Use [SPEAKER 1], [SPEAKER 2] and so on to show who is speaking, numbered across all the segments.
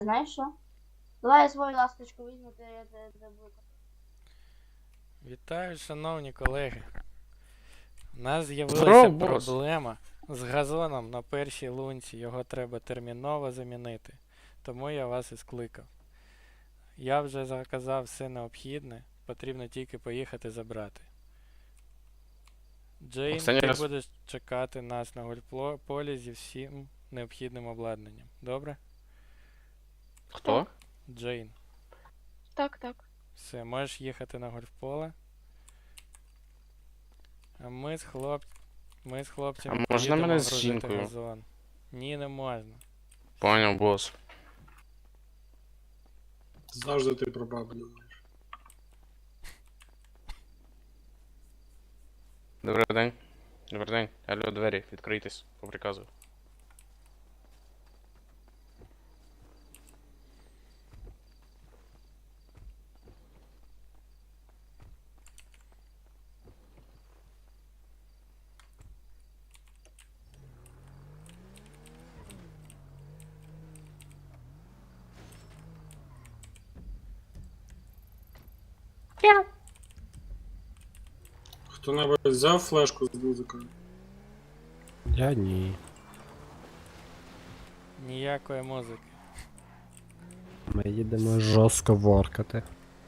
[SPEAKER 1] Знаєш що? Давай я свою ласточку візьму, ти буду.
[SPEAKER 2] Вітаю, шановні колеги. У нас з'явилася
[SPEAKER 3] Здоров, бос.
[SPEAKER 2] проблема з газоном на першій лунці. Його треба терміново замінити. Тому я вас і скликав. Я вже заказав все необхідне, потрібно тільки поїхати забрати. Джейн,
[SPEAKER 3] Останній
[SPEAKER 2] ти
[SPEAKER 3] раз.
[SPEAKER 2] будеш чекати нас на гольфполі зі всім необхідним обладнанням. Добре?
[SPEAKER 3] Хто?
[SPEAKER 2] Джейн.
[SPEAKER 4] Так.
[SPEAKER 2] Все, можеш їхати на гольфполе. А ми з хлопцями
[SPEAKER 3] А можна
[SPEAKER 2] поїдемо
[SPEAKER 3] мене з
[SPEAKER 2] грузити
[SPEAKER 3] жінкою?
[SPEAKER 2] газон. Ні, не можна.
[SPEAKER 3] Поняв, бос.
[SPEAKER 5] Завжди ти про бабу думаєш.
[SPEAKER 3] Добрий день. Добрий день. Алло, двері, відкрийтесь, по приказу.
[SPEAKER 5] Хто-небудь взяв флешку з музикою?
[SPEAKER 6] Я ні.
[SPEAKER 2] Ніякої музики.
[SPEAKER 6] Ми їдемо жорстко воркати.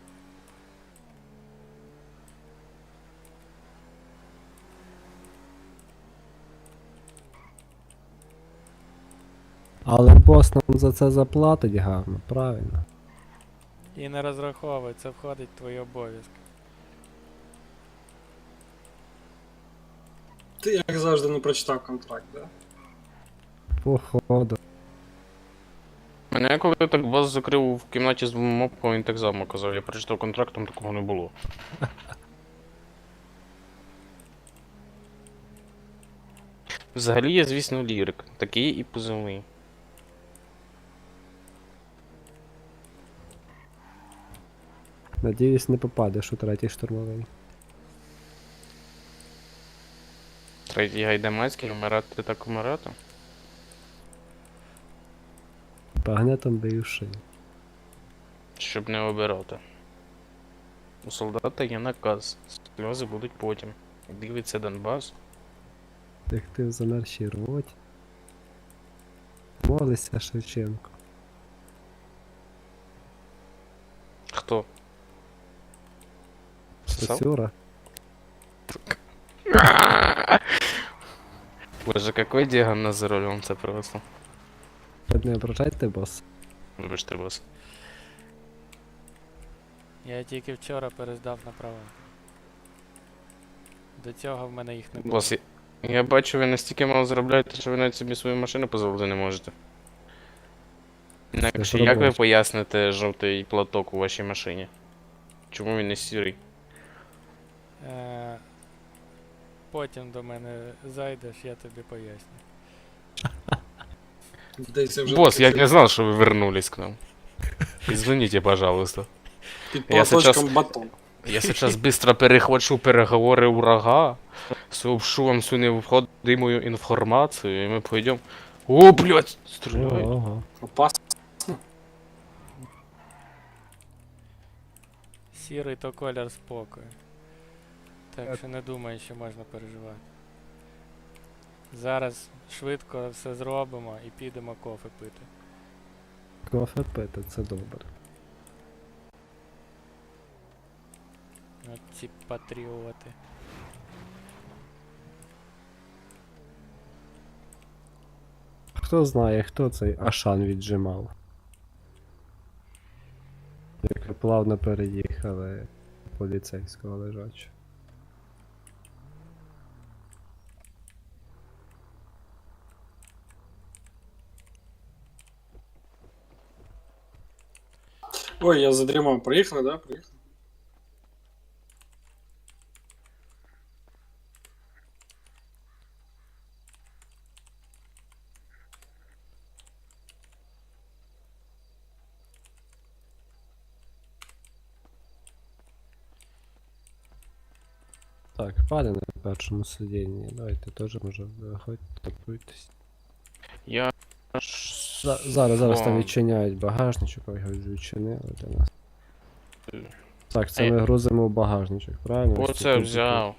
[SPEAKER 6] Але бос нам за це заплатить гарно, правильно.
[SPEAKER 2] І не розраховуй, це входить в твої обов'язки.
[SPEAKER 5] Ти, як завжди, не прочитав контракт, да?
[SPEAKER 6] Походу.
[SPEAKER 3] Мене коли так бос закрив в кімнаті з двома мопками, він так само казав. Я прочитав контракт, там такого не було. Взагалі я, звісно, лірик. Такий і позивний.
[SPEAKER 6] Надіюсь, не попадеш у третій штурмовий.
[SPEAKER 3] Третій гайдамацький, вмирати так вмирати.
[SPEAKER 6] Багнетом бию шию.
[SPEAKER 3] Щоб не обирати. У солдата є наказ. Сльози будуть потім. Дивиться Донбас.
[SPEAKER 6] Як ти в замершій роті. Молися, Шевченко.
[SPEAKER 3] Хто? Сосав?
[SPEAKER 6] Сосюра.
[SPEAKER 3] Боже, какой диагноз за рулем, це просто.
[SPEAKER 6] Не ображайте, бос.
[SPEAKER 3] Вибачте, бос.
[SPEAKER 2] Я тільки вчора перездав на права. До цього в мене їх не було.
[SPEAKER 3] Бос, я бачу, ви настільки мало заробляєте, що ви навіть собі свою машину дозволити не можете. Інакше як ви
[SPEAKER 6] робоче.
[SPEAKER 3] поясните жовтий платок у вашій машині? Чому він не сірий?
[SPEAKER 2] Потім до мене зайдеш, я тобі поясню.
[SPEAKER 5] Здається, вже
[SPEAKER 3] Бос,
[SPEAKER 5] таке
[SPEAKER 3] я
[SPEAKER 5] це
[SPEAKER 3] не знал, что вы вернулись к нам. Извините, пожалуйста.
[SPEAKER 5] Під
[SPEAKER 3] я
[SPEAKER 5] платочком
[SPEAKER 3] сейчас-
[SPEAKER 5] батон.
[SPEAKER 3] Я сейчас быстро перехвачу переговоры врага, сообщу вам всю необходимую информацию, и мы пойдем. О, блядь, стреляй.
[SPEAKER 6] Ого.
[SPEAKER 5] Опасно.
[SPEAKER 2] Сірий то колір спокою. Так що не думаю, що можна переживати. Зараз швидко все зробимо і підемо кофе пити.
[SPEAKER 6] Кофе пити, це добре.
[SPEAKER 2] От ці патріоти.
[SPEAKER 6] Хто знає, хто цей Ашан віджимав. Як ви плавно переїхали поліцейського лежачого.
[SPEAKER 5] Ой, я задрімав. Приїхали, да? Приїхали.
[SPEAKER 6] Так, пане на першому сидінні, давайте теж може виходьте, готуйтесь.
[SPEAKER 3] Я ж
[SPEAKER 6] Зараз там
[SPEAKER 3] Вон.
[SPEAKER 6] відчиняють багажничок, ой, його відчинили для нас. Так, це
[SPEAKER 3] Ей.
[SPEAKER 6] ми грузимо в багажничок, правильно? Ось ці
[SPEAKER 3] Оце
[SPEAKER 6] кубики.
[SPEAKER 3] взяв.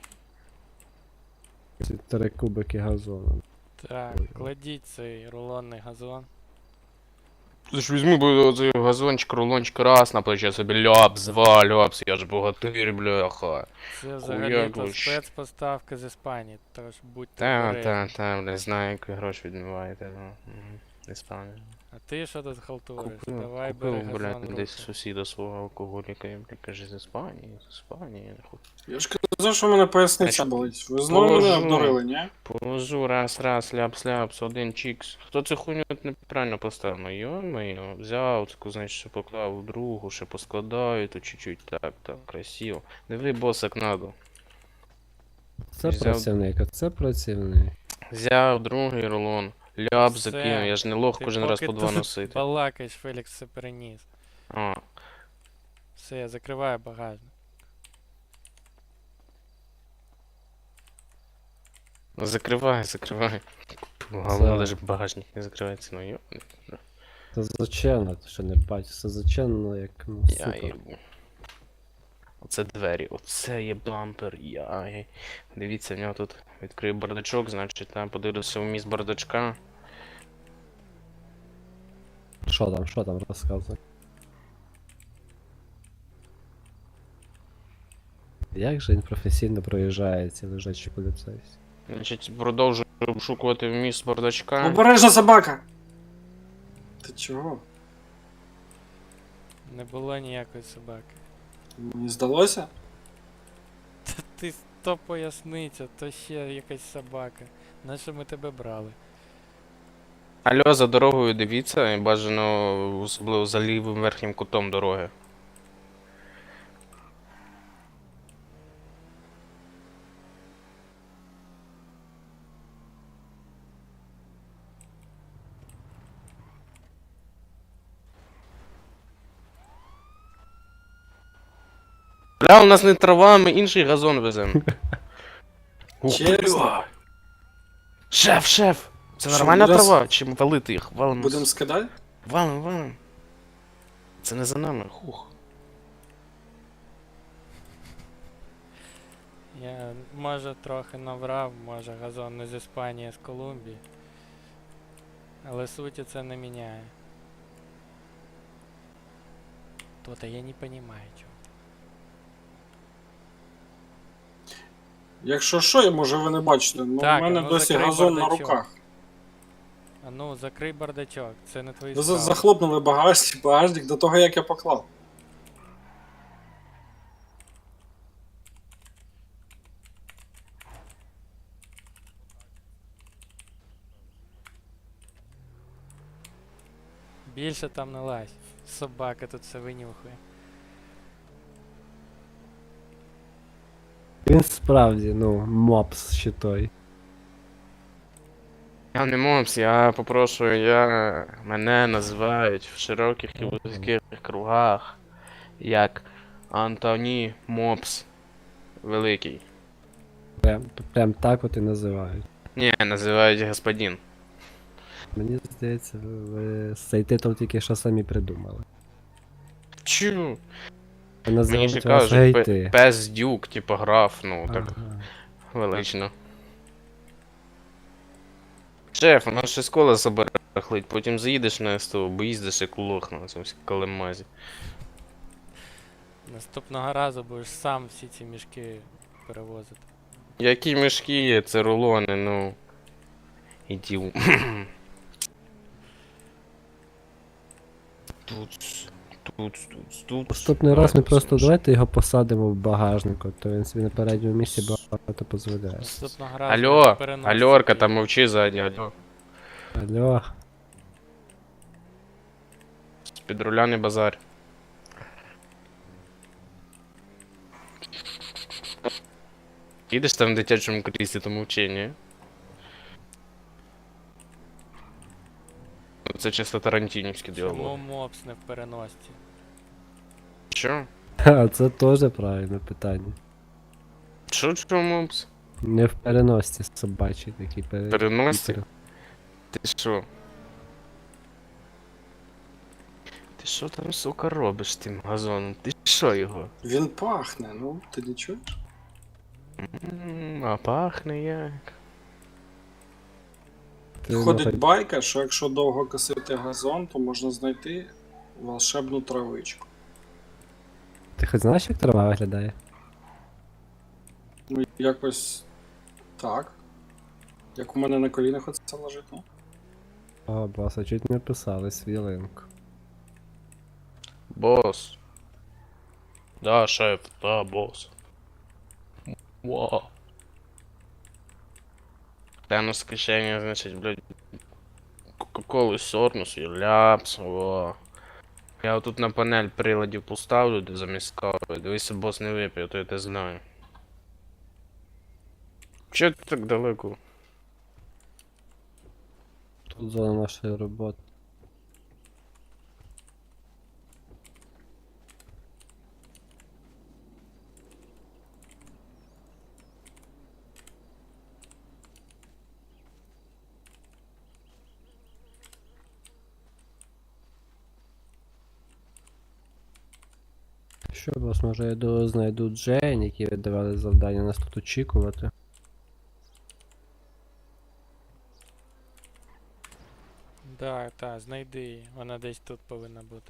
[SPEAKER 6] Ці 3 кубики газону.
[SPEAKER 2] Так, кладіть цей рулонний газон.
[SPEAKER 3] Ти ж візьму би оцей газончик, рулончик раз на плече собі ляпс, два ляпс, я ж богатир, бляха.
[SPEAKER 2] Це взагалі-то
[SPEAKER 3] вообще.
[SPEAKER 2] спецпоставка з Іспанії, тож будьте
[SPEAKER 3] Та,
[SPEAKER 2] обережні.
[SPEAKER 3] бля, знаю, як ви гроші відмиваєте, ну. Іспанія.
[SPEAKER 2] А ти що тут халтуриш? Давай
[SPEAKER 3] Купив,
[SPEAKER 2] бери газон
[SPEAKER 3] блядь,
[SPEAKER 2] в руки.
[SPEAKER 3] десь сусіда свого алкоголіка, і, блядь, каже, з Іспанії, нахуй.
[SPEAKER 5] Я ж казав, що в мене поясниця
[SPEAKER 3] Значить,
[SPEAKER 5] болить. Ви знову мене
[SPEAKER 3] положу.
[SPEAKER 5] обдурили, ні?
[SPEAKER 3] Положу, раз, ляпс, один чікс. Хто цю хуйню неправильно поставив? Ну, йо-моє, взяв, таку, значить, ще поклав в другу, ще поскладаю, тут чуть-чуть, так, красиво. Диви, бос, як надо.
[SPEAKER 6] Це
[SPEAKER 3] Взяв-
[SPEAKER 6] працівник, а це працівник.
[SPEAKER 3] Взяв другий рулон, ляп
[SPEAKER 2] Все.
[SPEAKER 3] закинув, я ж не лох
[SPEAKER 2] Ти
[SPEAKER 3] кожен раз
[SPEAKER 2] поки
[SPEAKER 3] по два
[SPEAKER 2] тут
[SPEAKER 3] носити.
[SPEAKER 2] Балакаєш, Фелікс все переніс.
[SPEAKER 3] А,
[SPEAKER 2] Все, я закриваю багажник.
[SPEAKER 3] ну закривай. Головне,
[SPEAKER 6] Це-
[SPEAKER 3] даже багажник не закривається, ну йо.
[SPEAKER 6] Це зачинено, ти що не бачиш, це зачинено як, ну,
[SPEAKER 3] Я
[SPEAKER 6] супер.
[SPEAKER 3] їбу. Оце двері, оце є бампер, яй. Дивіться, в нього тут відкрив бардачок, значить там подивлюся вміст бардачка.
[SPEAKER 6] Що там, розказуй. Як же він професійно проїжджає ці лежачі поліцейські?
[SPEAKER 3] Значить, продовжую обшукувати вміст бардачка.
[SPEAKER 5] Обережна собака! Ти чого?
[SPEAKER 2] Не було ніякої собаки.
[SPEAKER 5] Мені здалося?
[SPEAKER 2] Та ти то поясниця, то ще якась собака. Нащо ми тебе брали?
[SPEAKER 3] Алло, за дорогою дивіться, і бажано особливо за лівим верхнім кутом дороги. Бля, у нас не трава, ми інший газон веземо. Ух,
[SPEAKER 5] Чесно?
[SPEAKER 3] бля. Шеф! Це
[SPEAKER 5] Що,
[SPEAKER 3] нормальна
[SPEAKER 5] раз-
[SPEAKER 3] трава? Чи валити їх? Валимо.
[SPEAKER 5] Будемо скидати?
[SPEAKER 3] Валим. Це не за нами, хух.
[SPEAKER 2] Я може трохи наврав, може газон не з Іспанії, а з Колумбії. Але суті це не міняє. То-то я не понимаю, чого.
[SPEAKER 5] Якщо що, може ви не бачите, ну
[SPEAKER 2] Так,
[SPEAKER 5] в мене
[SPEAKER 2] ну,
[SPEAKER 5] досі
[SPEAKER 2] закрий
[SPEAKER 5] газон на
[SPEAKER 2] бардачок.
[SPEAKER 5] руках.
[SPEAKER 2] А ну, закрий бардачок, це не твої
[SPEAKER 5] Ви
[SPEAKER 2] справи.
[SPEAKER 5] захлопнули багажник до того, як я поклав.
[SPEAKER 2] Більше там не лазь. Собака тут все винюхує.
[SPEAKER 6] Він справді, ну, мопс ще той.
[SPEAKER 3] Я не мопс, я попрошую, мене називають в широких і вузьких кругах як Антоні Мопс Великий.
[SPEAKER 6] Прям так от і називають.
[SPEAKER 3] Ні, називають господин.
[SPEAKER 6] Мені здається, ви цей титул тільки що самі придумали.
[SPEAKER 3] Чу?
[SPEAKER 6] Ви
[SPEAKER 3] Мені
[SPEAKER 6] називають
[SPEAKER 3] ж
[SPEAKER 6] вас
[SPEAKER 3] кажуть,
[SPEAKER 6] гейти.
[SPEAKER 3] пес дюк, типа граф, ну так
[SPEAKER 6] Ага.
[SPEAKER 3] велично. Шеф, у нас ще школа забарахлить, потім заїдеш на СТО, бо їздиш як лох на цьому калемазі.
[SPEAKER 2] Наступного разу будеш сам всі ці мішки перевозити.
[SPEAKER 3] Які мішки є, це рулони, ну. Іділ. Тут.
[SPEAKER 6] Наступний раз ми просто давайте його посадимо в багажнику, то він собі на передньому місці багато дозволяє.
[SPEAKER 2] Наступного разу
[SPEAKER 3] Алло,
[SPEAKER 2] на переносці
[SPEAKER 3] Альорка,
[SPEAKER 2] поїдемо.
[SPEAKER 3] там мовчи ззаді, алло.
[SPEAKER 6] Алло,
[SPEAKER 3] З-під руля не базар. Їдеш там в дитячому кріслі, то мовчи, ні? Ну, це чисто тарантінівські
[SPEAKER 2] Чому
[SPEAKER 3] діалоги.
[SPEAKER 2] мопс не в переносці?
[SPEAKER 3] Що?
[SPEAKER 6] а це теж правильне питання.
[SPEAKER 3] Що мопс?
[SPEAKER 6] Не в переносці собачий такий
[SPEAKER 3] Переносці?
[SPEAKER 6] пере-
[SPEAKER 3] Ти що? Ти що там, сука, робиш з тим газоном? Ти що його?
[SPEAKER 5] Він пахне, ну, ти не чуєш?
[SPEAKER 3] А пахне як.
[SPEAKER 6] Ти
[SPEAKER 5] Ходить
[SPEAKER 6] нахай-
[SPEAKER 5] байка, що якщо довго косити газон, то можна знайти волшебну травичку.
[SPEAKER 6] Ти хоч знаєш, як трава виглядає?
[SPEAKER 5] Ну, якось так. Як у мене на колінах оце лежить, ну.
[SPEAKER 6] О, боса, чуть не писали свілинку.
[SPEAKER 3] Бос. Да, шеф, да, бос. Вау. Тянус з кишені, значить, блядь, Кока-колу сорнус і ляпс, во. Я отут на панель приладів поставлю, де замість кави. Дивися, бос не вип'є, то я те знаю. Чого ти так далеко?
[SPEAKER 6] Тут зона нашої роботи. Що, бос, може я знайду Джейн, які віддавали завдання нас тут очікувати?
[SPEAKER 2] Да, та, знайди її. Вона десь тут повинна бути.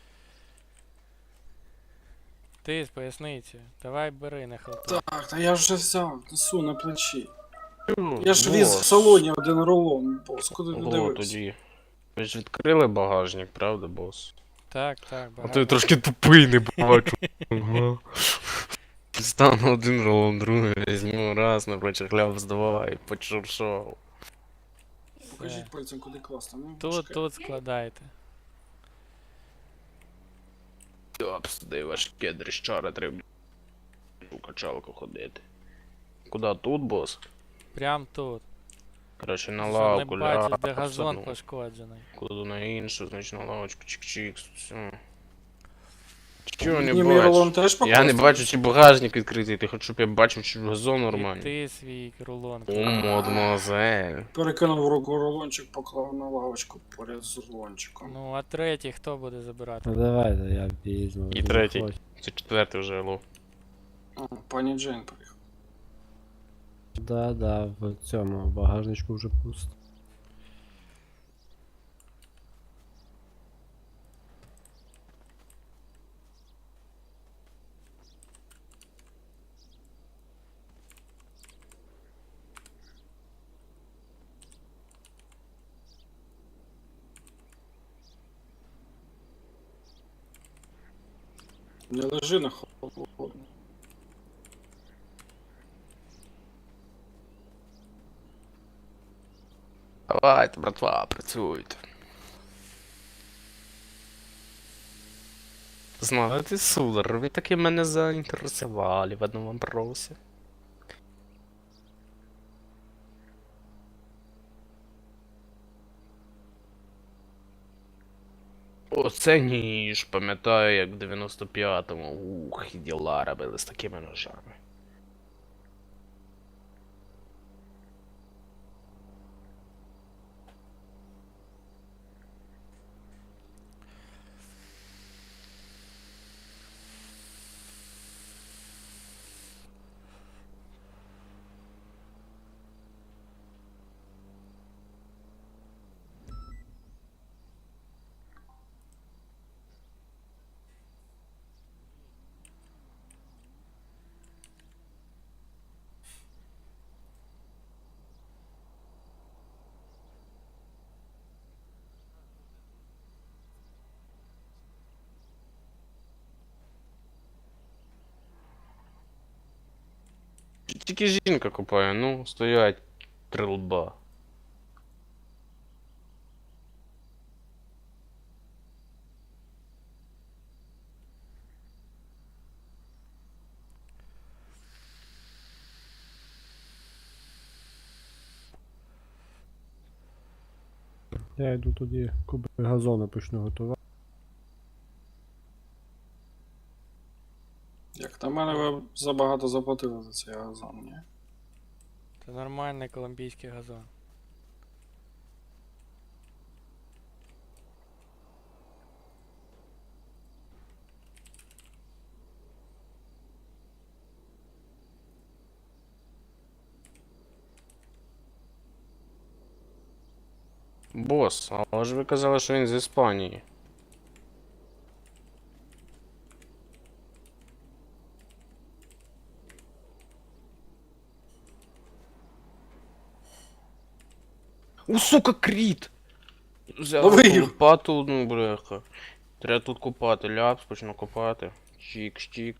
[SPEAKER 2] Ти з поясниці. Давай бери, не халтуй.
[SPEAKER 5] Так, та я вже взяв, несу на плечі. Я ж віз в салоні один рулон, бос, куди не
[SPEAKER 3] О,
[SPEAKER 5] дивився.
[SPEAKER 3] тоді. Ви ж відкрили багажник, правда, бос?
[SPEAKER 2] Так, так,
[SPEAKER 3] А
[SPEAKER 2] багато.
[SPEAKER 3] то я трошки тупий, не бачу. Ага. Стану один рулон, другий візьму, раз, напроче хляб здавай, почуршов.
[SPEAKER 5] Покажіть пальцем, куди класти. Ну,
[SPEAKER 2] Тут,
[SPEAKER 5] чекай.
[SPEAKER 2] тут складайте.
[SPEAKER 3] Топс, де важке дрищара, треба у качалку ходити. Куда тут, бос?
[SPEAKER 2] Прям тут.
[SPEAKER 3] Короче, на
[SPEAKER 2] Що,
[SPEAKER 3] лавку,
[SPEAKER 2] не бачиш, де
[SPEAKER 3] ляпс,
[SPEAKER 2] газон
[SPEAKER 3] ну,
[SPEAKER 2] пошкоджений.
[SPEAKER 3] кладу на іншу, значить на лавочку, чик-чик, все. Чого не
[SPEAKER 5] Мені мій рулон
[SPEAKER 3] бачу?
[SPEAKER 5] теж
[SPEAKER 3] Я
[SPEAKER 5] покласти?
[SPEAKER 3] не бачу, чи багажник відкритий, ти хоч щоб я бачив, чи газон
[SPEAKER 2] І
[SPEAKER 3] нормальний.
[SPEAKER 2] ти свій рулон.
[SPEAKER 3] О, мадемуазель.
[SPEAKER 5] Перекинув руку рулончик, поклав на лавочку поряд з рулончиком.
[SPEAKER 2] Ну, а третій хто буде забирати?
[SPEAKER 6] Ну давайте, я візьму.
[SPEAKER 3] І третій. Це четвертий вже алло.
[SPEAKER 5] А, пані Джейн приїхала.
[SPEAKER 6] Да, в цьому багажничку вже пусто.
[SPEAKER 5] Не лежи на холодно.
[SPEAKER 3] Давайте, братва, працюйте. Знаєте, судар, ви таки мене заінтересували в одному вопросі. Оце ніж, пам'ятаю, як в 95-му. Ух, і діла робили з такими ножами. Тільки жінка купає, ну, стоять три лба.
[SPEAKER 6] Я йду тоді куби газону почну готувати.
[SPEAKER 5] Як на мене, ви забагато заплатили за цей газон, ні?
[SPEAKER 2] Це нормальний колумбійський газон.
[SPEAKER 3] Бос, але ж ви казали, що він з Іспанії. У, сука, кріт! Взяв
[SPEAKER 5] Лови його.
[SPEAKER 3] лопату, ну, бляха. Треба тут копати, ляпс, почну копати. Чик-чик.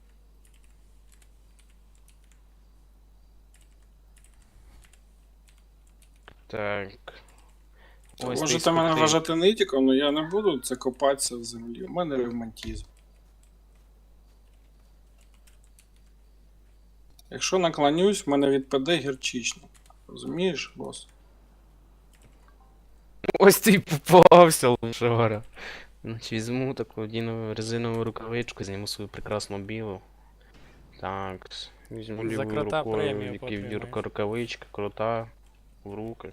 [SPEAKER 3] Так. Ось
[SPEAKER 5] Можете
[SPEAKER 3] ти
[SPEAKER 5] мене
[SPEAKER 3] спекти.
[SPEAKER 5] вважати нитіком, але я не буду це копатися в землі. У мене ревматизм. Якщо наклонюсь, в мене відпаде гірчичник. Розумієш, бос?
[SPEAKER 3] Ось ти й попався, лошара. Значить, візьму таку резинову рукавичку, зніму свою прекрасну білу. Так, візьму
[SPEAKER 2] За
[SPEAKER 3] лівою
[SPEAKER 2] крота
[SPEAKER 3] рукою,
[SPEAKER 2] премію
[SPEAKER 3] які
[SPEAKER 2] отримаєш.
[SPEAKER 3] рукавичка, крута, в руки.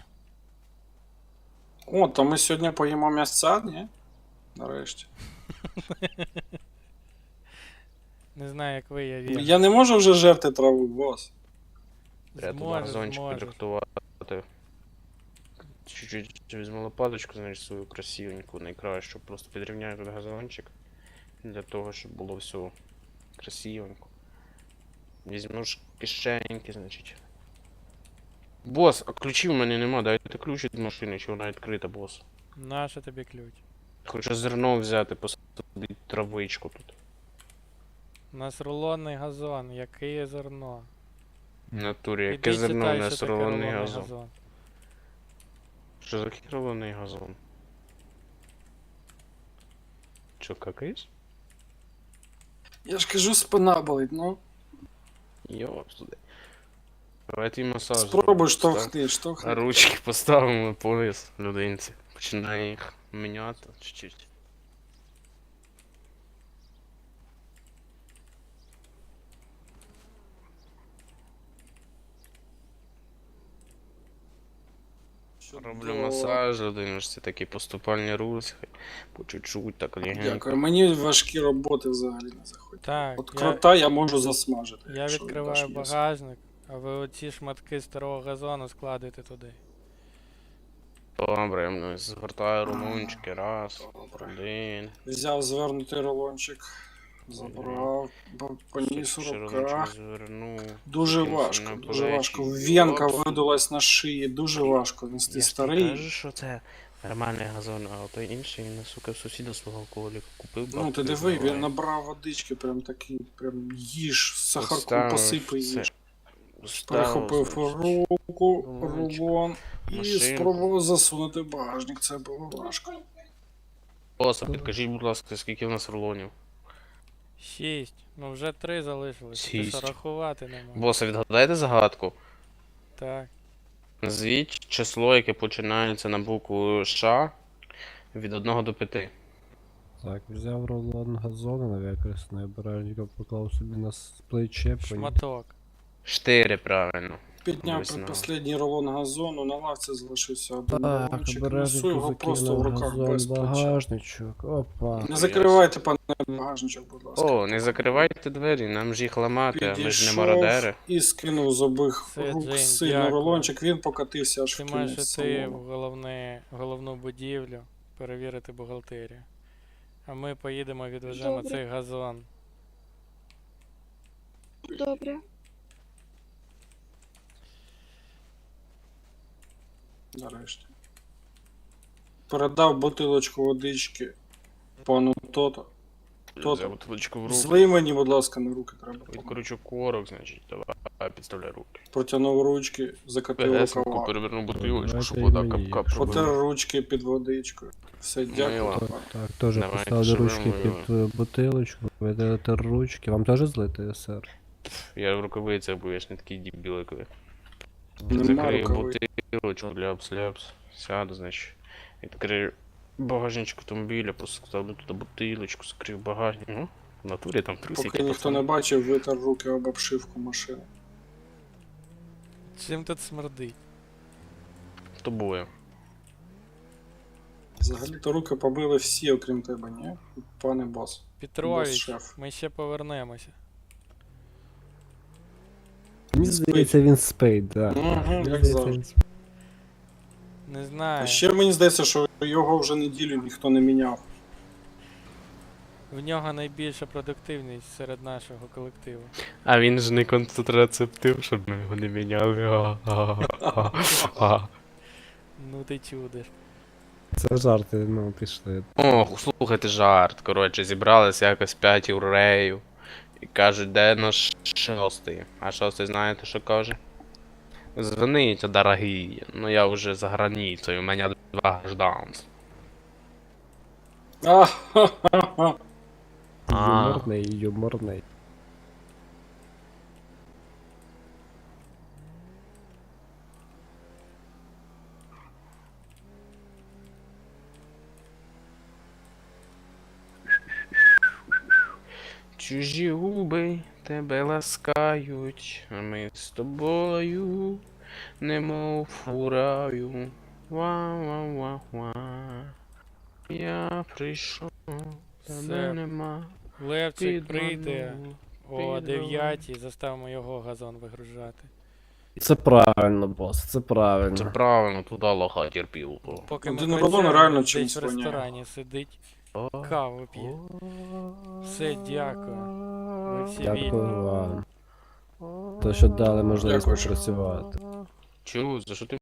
[SPEAKER 5] О, то ми сьогодні поїмо м'ясця, ні? Нарешті.
[SPEAKER 2] Не знаю, як ви, я вірю.
[SPEAKER 5] Я не можу вже жерти траву, бос.
[SPEAKER 3] Треба тут
[SPEAKER 2] Зможеш,
[SPEAKER 3] газончик
[SPEAKER 2] зможеш.
[SPEAKER 3] підрихтувати. Чуть-чуть візьму лопаточку, значить, свою красивеньку, найкращу. Просто підрівняю тут газончик. Для того, щоб було все красивенько. Візьму ж кишеньки, значить. Бос, а ключів в мене нема, дайте ключ від машини, чи вона відкрита, бос.
[SPEAKER 2] Нащо тобі ключ?
[SPEAKER 3] Хочу зерно взяти, посадити травичку тут.
[SPEAKER 2] У нас рулонний газон, яке є зерно.
[SPEAKER 3] В натурі, яке
[SPEAKER 2] Іди
[SPEAKER 3] зерно
[SPEAKER 2] читай,
[SPEAKER 3] у
[SPEAKER 2] що
[SPEAKER 3] нас
[SPEAKER 2] таке
[SPEAKER 3] рулонний
[SPEAKER 2] рулонний
[SPEAKER 3] газон.
[SPEAKER 2] газон.
[SPEAKER 3] Що за рулонний газон? Чо, какаєш?
[SPEAKER 5] Я ж кажу, спина болить, ну.
[SPEAKER 3] Йоп, туди. Давайте і масаж.
[SPEAKER 5] Спробуй
[SPEAKER 3] зробимо.
[SPEAKER 5] штовхни,
[SPEAKER 3] А
[SPEAKER 5] штовхни.
[SPEAKER 3] ручки поставимо пояс людинці. Починає їх міняти чуть-чуть. Роблю масаж людині, ж це такі поступальні рухи. По чуть-чуть, так легенько.
[SPEAKER 5] Дякую. Мені важкі роботи взагалі не заходять.
[SPEAKER 2] Так,
[SPEAKER 5] От крота я можу засмажити.
[SPEAKER 2] я
[SPEAKER 5] якщо
[SPEAKER 2] відкриваю
[SPEAKER 5] віддаш м'ясо.
[SPEAKER 2] багажник, а ви оці шматки старого газону складуєте туди.
[SPEAKER 3] Добре, ну, згортаю румунчики, раз,
[SPEAKER 5] Добре.
[SPEAKER 3] один.
[SPEAKER 5] Взяв звернутий рулончик, забрав, поніс у руках.
[SPEAKER 3] Звернув.
[SPEAKER 5] Дуже
[SPEAKER 3] кинувся
[SPEAKER 5] важко,
[SPEAKER 3] на
[SPEAKER 5] дуже
[SPEAKER 3] плечі.
[SPEAKER 5] важко. Венка
[SPEAKER 3] Оп.
[SPEAKER 5] видулась на шиї, дуже важко
[SPEAKER 3] Я
[SPEAKER 5] нести
[SPEAKER 3] ж
[SPEAKER 5] старий.
[SPEAKER 3] не кажу, що це нормальний газон, а той інший, він, сука, в сусіда свого алкоголіка купив.
[SPEAKER 5] Ну
[SPEAKER 3] бабки
[SPEAKER 5] ти диви,
[SPEAKER 3] зливає.
[SPEAKER 5] він набрав водички, прям такий, прям їж, сахарку
[SPEAKER 3] Поставив
[SPEAKER 5] посипай
[SPEAKER 3] все.
[SPEAKER 5] їж.
[SPEAKER 3] Ставив,
[SPEAKER 5] Перехопив
[SPEAKER 3] значить,
[SPEAKER 5] руку,
[SPEAKER 3] рулончик,
[SPEAKER 5] рулон і
[SPEAKER 3] машинку.
[SPEAKER 5] спробував засунути в багажник. Це було важко.
[SPEAKER 3] Боса, підкажіть, будь ласка, скільки в нас рулонів?
[SPEAKER 2] 6. Ну вже 3 залишилось. Ти що,
[SPEAKER 3] Шість.
[SPEAKER 2] рахувати не можеш.
[SPEAKER 3] Боса, відгадайте загадку.
[SPEAKER 2] Так.
[SPEAKER 3] Назвіть число, яке починається на букву Ш від 1 до 5.
[SPEAKER 6] Так, взяв рулон газону невикористаний, обережненько поклав собі на плече, поніс.
[SPEAKER 2] Шматок.
[SPEAKER 3] 4, правильно.
[SPEAKER 5] Підняв
[SPEAKER 3] Весна.
[SPEAKER 5] предпоследній рулон газону, на лавці залишився один
[SPEAKER 6] Так,
[SPEAKER 5] рулончик. Несу
[SPEAKER 6] обережненько
[SPEAKER 5] його просто в
[SPEAKER 6] закинув
[SPEAKER 5] руках без
[SPEAKER 6] газон,
[SPEAKER 5] плеча.
[SPEAKER 6] багажничок, опа.
[SPEAKER 5] Не закривайте, пане багажничок, будь ласка.
[SPEAKER 3] О, не закривайте двері, нам ж їх ламати, а ми ж не
[SPEAKER 5] Підійшов
[SPEAKER 3] мародери.
[SPEAKER 5] і скинув з обох
[SPEAKER 2] Це,
[SPEAKER 5] рук
[SPEAKER 2] Джейн,
[SPEAKER 5] сильно
[SPEAKER 2] дякую.
[SPEAKER 5] рулончик, він покатився аж
[SPEAKER 2] Ти
[SPEAKER 5] в
[SPEAKER 2] маєш
[SPEAKER 5] кінець
[SPEAKER 2] іти в
[SPEAKER 5] салону.
[SPEAKER 2] головну будівлю, перевірити бухгалтерію. А ми поїдемо відвеземо
[SPEAKER 4] Добре.
[SPEAKER 2] цей газон.
[SPEAKER 4] Добре.
[SPEAKER 5] Нарешті. Передав бутилочку водички пану Тото. Тото.
[SPEAKER 3] Взяв бутилочку в руку.
[SPEAKER 5] Злий мені, будь ласка, на руки треба.
[SPEAKER 3] Відкручу корок, значить, давай, підставляй руки.
[SPEAKER 5] Протягнув ручки, закатив
[SPEAKER 3] Пегесенько
[SPEAKER 5] рукава.
[SPEAKER 3] переверну бутилочку,
[SPEAKER 6] Давайте
[SPEAKER 3] щоб
[SPEAKER 6] і
[SPEAKER 3] вода
[SPEAKER 6] мені.
[SPEAKER 3] кап-кап
[SPEAKER 5] Потер
[SPEAKER 3] робила.
[SPEAKER 5] ручки під водичкою. Все, дякую.
[SPEAKER 3] Мила.
[SPEAKER 5] пане.
[SPEAKER 6] Так, теж
[SPEAKER 3] Давайте,
[SPEAKER 6] поставили
[SPEAKER 3] щоб
[SPEAKER 6] ручки
[SPEAKER 3] ви
[SPEAKER 6] під бутилочку, видалити ручки. Вам теж злити, сер?
[SPEAKER 3] Я в рукавицях, бо я ж не такий дебіл, як ви.
[SPEAKER 5] Нема
[SPEAKER 3] Закрию
[SPEAKER 5] рукави.
[SPEAKER 3] бутилочку, ляпс-ляпс. Сяду, значить. Відкрию багажничок автомобіля, поставлю туди бутилочку, закрию багажник. Ну, в натурі там трусики.
[SPEAKER 5] Поки ніхто не бачив, витер руки об обшивку машини.
[SPEAKER 2] Чим тут смердить?
[SPEAKER 3] Тобою.
[SPEAKER 5] Взагалі-то руки побили всі, окрім тебе, ні? Пане бос.
[SPEAKER 2] Петрович,
[SPEAKER 5] Бос-шеф.
[SPEAKER 2] ми ще повернемося.
[SPEAKER 6] Мені
[SPEAKER 5] Спить.
[SPEAKER 6] здається, він спить, так.
[SPEAKER 5] Мгм,
[SPEAKER 6] Мені
[SPEAKER 5] як
[SPEAKER 6] здається,
[SPEAKER 5] завжди.
[SPEAKER 6] він спить.
[SPEAKER 2] Не
[SPEAKER 5] А
[SPEAKER 2] знаю.
[SPEAKER 5] ще мені здається, що його вже неділю ніхто не міняв.
[SPEAKER 2] В нього найбільша продуктивність серед нашого колективу.
[SPEAKER 3] А він ж не контрацептив, щоб ми його не міняли.
[SPEAKER 2] Ну ти чудиш.
[SPEAKER 6] Це жарти, ну, пішли.
[SPEAKER 3] Ох, слухайте жарт. Коротше, зібралися якось 5 євреїв. І кажуть, де наш шостий? А шостий знаєте, що каже? Звоніть, дорогі. Ну я вже за границею, у мене 2 гражданства.
[SPEAKER 5] А-ха-ха-ха.
[SPEAKER 6] Юморний, юморний.
[SPEAKER 3] Чужі губи тебе ласкають, а ми з тобою, немов фураю. Ва-ва-ва-ва. Я прийшов,
[SPEAKER 2] Все.
[SPEAKER 3] тебе нема.
[SPEAKER 2] Левчик прийде
[SPEAKER 3] Підманув.
[SPEAKER 2] о 9 заставимо його газон вигружати.
[SPEAKER 6] Це правильно, бос, це
[SPEAKER 3] Це
[SPEAKER 6] правильно.
[SPEAKER 3] правильно, туди лоха терпів.
[SPEAKER 2] Поки ми
[SPEAKER 5] Один
[SPEAKER 2] працюємо,
[SPEAKER 5] Ролон реально
[SPEAKER 2] десь
[SPEAKER 5] чимось
[SPEAKER 2] в
[SPEAKER 5] воняє.
[SPEAKER 2] ресторані сидить, каву п'є. Все, дякую. Ви всі
[SPEAKER 6] Дякую
[SPEAKER 2] вільні.
[SPEAKER 6] вам. То, що дали можливість
[SPEAKER 5] Дякую, що-
[SPEAKER 6] попрацювати.
[SPEAKER 3] Чу, за що ти